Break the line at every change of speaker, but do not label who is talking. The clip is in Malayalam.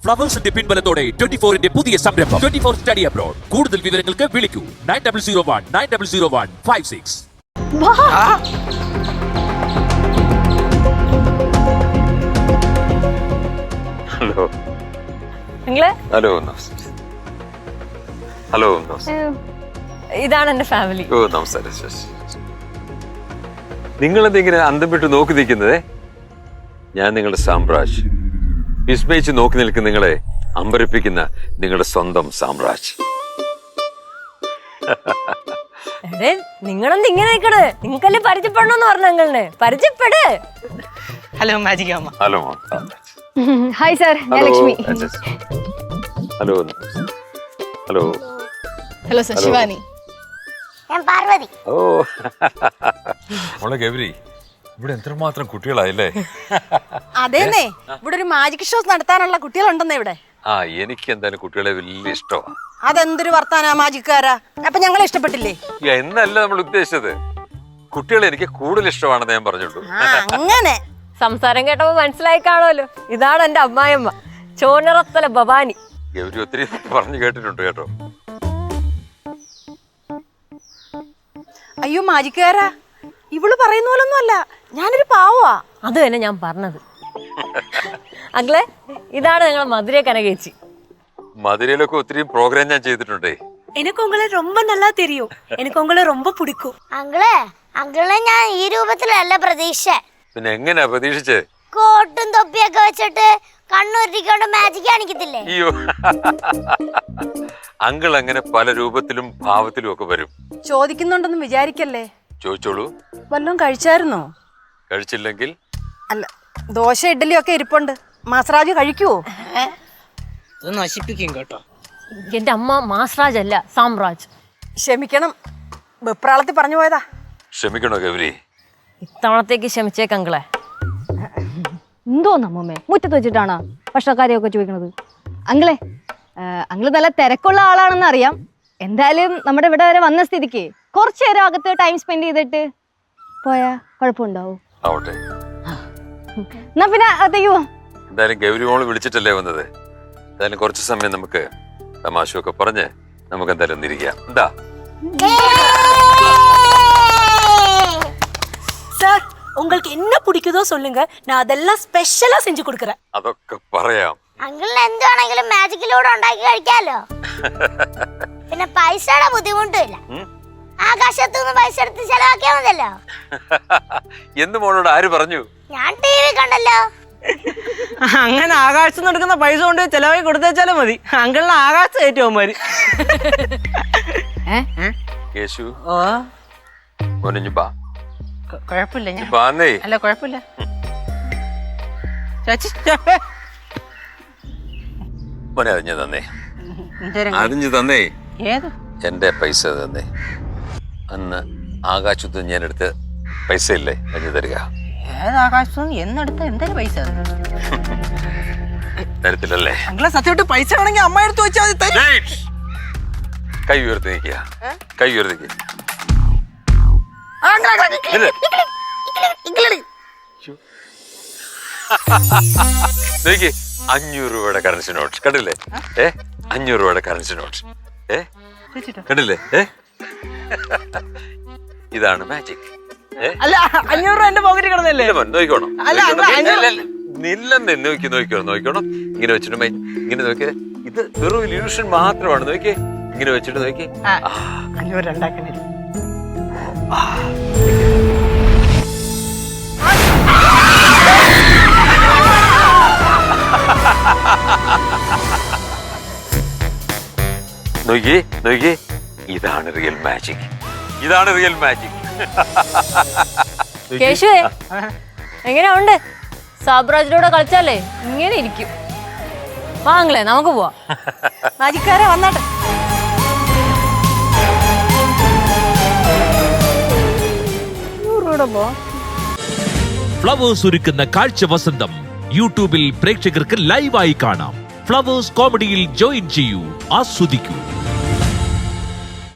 ഫ്ലവേഴ്സിന്റെ പിൻബലത്തോടെ 24-ന്റെ പുതിയ സംരംഭം 24 സ്റ്റഡി അബ്രോഡ്. കൂടുതൽ വിവരങ്ങൾക്ക് വിളിക്കൂ 9001900156.
ഹലോ ഹലോ ഹലോ
ഇതാണ് എന്റെ ഫാമിലി.
ഓ നമസ്കാരം. നിങ്ങളെന്തെങ്കിലും അന്തം വിട്ട് നോക്കി നിൽക്കുന്നതേ? ഞാൻ നിങ്ങളുടെ സാമ്രാജ്, വിസ്മയിച്ച് നോക്കി നിൽക്കുന്ന നിങ്ങളെ അമ്പരപ്പിക്കുന്ന നിങ്ങളുടെ സ്വന്തം സാമ്രാജ്.
നിങ്ങളെന്ത് ഇങ്ങനെ നിൽക്കണേ? നിങ്ങൾക്കല്ലേ പരിചയപ്പെടണമെന്ന് പറഞ്ഞു. നിങ്ങളെ പരിചയപ്പെട്.
ഹലോ മാജിക് അമ്മ.
ഹലോ
ഹായ് സാർ, ഞാൻ Lakshmi.
Hello hello
hello sir, Shivani.
ഞാൻ പാർവതി.
ഓ മോളെ ഗൗരി, ഇവിടെ എത്രമാത്രം കുട്ടികളായില്ലേ?
അതേന്നേ, ഇവിടെ ഒരു മാജിക് ഷോസ് നടത്താനുള്ള കുട്ടികളുണ്ടെന്നേ ഇവിടെ.
ആ, എനിക്ക് എന്തായാലും കുട്ടികളെ വലിയ ഇഷ്ടമാണ്.
അതെന്തൊരു വർത്താനാ മാജിക്കാരാ? അപ്പൊ ഞങ്ങളെ ഇഷ്ടപ്പെട്ടില്ലേ?
എന്നല്ല നമ്മൾ ഉദ്ദേശിച്ചത്, കുട്ടികളെ എനിക്ക് കൂടുതൽ ഇഷ്ടമാണെന്ന് ഞാൻ പറഞ്ഞുള്ളൂ.
അങ്ങനെ
സംസാരം കേട്ടപ്പോ മനസ്സിലായി കാണുമല്ലോ. ഇതാണ് എന്റെ അമ്മായിയമ്മ, ചോനറത്തല ഭവാനി.
ഗൗരി ഒത്തിരി പറഞ്ഞു കേട്ടിട്ടുണ്ട് കേട്ടോ.
അയ്യോ മാജിക്കാരാ, ഇവള് പറയുന്ന പോലൊന്നും അല്ല, ഞാനൊരു പാവാ.
അത് തന്നെ ഞാൻ പറഞ്ഞത്. അങ്ങളെ, ഇതാണ് ഞങ്ങളെ മധുര കനകേച്ചി.
മധുരയിലൊക്കെ ഒത്തിരി പ്രോഗ്രാം ഞാൻ ചെയ്തിട്ടുണ്ടേ.
எனக்கு உங்களை ரொம்ப நல்லா தெரியும். எனக்கு உங்களை ரொம்ப பிடிக்கும்.
അങ്കിളെ ഞാൻ ഈ രൂപത്തിലല്ല പ്രതീക്ഷ.
പിന്നെ എങ്ങനെയാ പ്രതീക്ഷിച്ചേ?
കോട്ടും തൊപ്പിയൊക്കെ വെച്ചിട്ട് കണ്ണുരുട്ടിക്കൊണ്ട് മാജിക് കാണിക്കത്തില്ലേ?
അയ്യോ, അങ്കിൾ അങ്ങനെ പല രൂപത്തിലും ഭാവത്തിലും ഒക്കെ വരും.
ചോദിക്കുന്നുണ്ടെന്ന് വിചാരിക്കല്ലേ.
ചോദിച്ചോളൂ.
വല്ലതും കഴിച്ചായിരുന്നോ?
കഴിച്ചില്ലെങ്കിൽ
അല്ല, ദോശ ഇഡ്ഡലി ഒക്കെ ഇരിപ്പുണ്ട്. മാസറാജ് കഴിക്കുവോ? നശിപ്പിക്കും കേട്ടോ.
എന്റെ അമ്മ മാസ്രാജ് അല്ല, സാമ്രാജ്.
ക്ഷമിക്കണം, വെപ്രാളത്തിൽ പറഞ്ഞു പോയതാ.
ക്ഷമിക്കണോ ഗൗരി?
ഇത്തവണത്തേക്ക് ക്ഷമിച്ചേക്കങ്ങളെ.
എന്തോന്ന് അമ്മൂമ്മേ, മുറ്റത്ത് വെച്ചിട്ടാണോ ഭക്ഷണക്കാരെയൊക്കെ ചോദിക്കണത്? അങ്കിളെ, അങ്കിള് നല്ല തിരക്കുള്ള ആളാണെന്ന് അറിയാം. എന്തായാലും നമ്മുടെ ഇവിടെ വരെ വന്ന സ്ഥിതിക്ക് കുറച്ചു നേരം അകത്ത് ടൈം സ്പെൻഡ് ചെയ്തിട്ട് പോയാ കുഴപ്പമുണ്ടാവും.
ആവട്ടെ.
എന്നാ പിന്നെ അകത്തേക്ക് പോവാം.
എന്തായാലും ഗൗരി മോള് വിളിച്ചിട്ടല്ലേ വന്നത്. എന്തായാലും കുറച്ച് സമയം നമുക്ക് തമാശയൊക്കെ പറഞ്ഞ് നമുക്ക് എന്തായാലും ഒന്നിരിക്കാം. എന്താ
சார், உங்களுக்கு என்ன பிடிக்குதோ சொல்லுங்க, நான் அதெல்லாம் ஸ்பெஷலா செஞ்சு கொடுக்கறேன்.
അതൊക്കെ പറയാം.
അങ്കിളിന് എന്താണെങ്കിലും മാജിക്കിലൂടെ ഉണ്ടാക്കി കഴിക്കാലോ. പിന്നെ പൈസയുടെ ബുദ്ധിമുട്ടില്ല. ആകാശത്തുനിന്ന് പൈസ എടുത്ത് ചെലവാക്കിയാ മതിയല്ലോ.
എന്ന് മോളോട് ആര് പറഞ്ഞു?
ഞാൻ TV കണ്ടല്ലോ.
അങ്ങനെ ആകാശത്ത് നടക്കുന്ന പൈസ കൊണ്ട് ചെലവായി കൊടുത്തേച്ചാലും മതി. അങ്കിളിന് ആകാശത്ത് കയറ്റുമാര്.
കേശു,
ഓ
മോനെ ബാ.
കുഴപ്പമില്ല, ഞാൻ
ബാന്നേ.
അല്ല കുഴപ്പമില്ല.
മോനെ അറിഞ്ഞു തന്നേ, അറിഞ്ഞു തന്നേ.
ഏത്
എന്റെ പൈസ തന്നേ. അന്ന് ആകാശത്ത് ഞാൻ എടുത്ത പൈസ ഇല്ലേ, അറിഞ്ഞു തരിക.
ഏത് ആകാശത്തുനിന്ന് എന്നെടുത്ത എന്തൊരു പൈസ
തരത്തില്ലല്ലേ?
അങ്കിളെ സത്യമായിട്ട് പൈസ വേണമെങ്കിൽ അമ്മ എടുത്ത് വെച്ചാൽ മതി.
കൈ ഉയർത്തി നിൽക്കുക, കൈ ഉയർത്തി നിൽക്കുക. നോക്കി, 500 രൂപയുടെ കറൻസി നോട്ട് കണ്ടില്ലേ? 500 രൂപയുടെ കറൻസി നോട്ട് കണ്ടില്ലേ? ഇതാണ് മാജിക്.
അല്ല, 500 രൂപ എന്റെ പോക്കറ്റിൽ കിടന്നല്ലേ?
നോക്കണം,
അല്ല,
നില്ലെന്ന് നോക്കണം. ഇങ്ങനെ വെച്ചിട്ട് ഇങ്ങനെ നോക്കിയേ, ഇത് വെറും ഇല്യൂഷൻ മാത്രമാണ്. നോക്കിയേ, ഇങ്ങനെ വെച്ചിട്ട് നോക്കി.
500 ഉണ്ടാക്കണേ.
നോക്കി, ഇതാണ് റിയൽ മാജിക്. ഇതാണ് റിയൽ മാജിക്.
കേശുവേ, എങ്ങനെ ഉണ്ട്? സാബ്രാജിലൂടെ കളിച്ചാലേ ഇങ്ങനെ ഇരിക്കും. വാങ്ങളെ, നമുക്ക് പോവാം.
മാജിക്കാരെ വന്നാട്ടെ.
ഫ്ലവേഴ്സ് ഒരുക്കുന്ന കാഴ്ച വസന്തം യൂട്യൂബിൽ പ്രേക്ഷകർക്ക് ലൈവായി കാണാം. ഫ്ലവേഴ്സ് കോമഡിയിൽ ജോയിൻ ചെയ്യൂ, ആസ്വദിക്കൂ.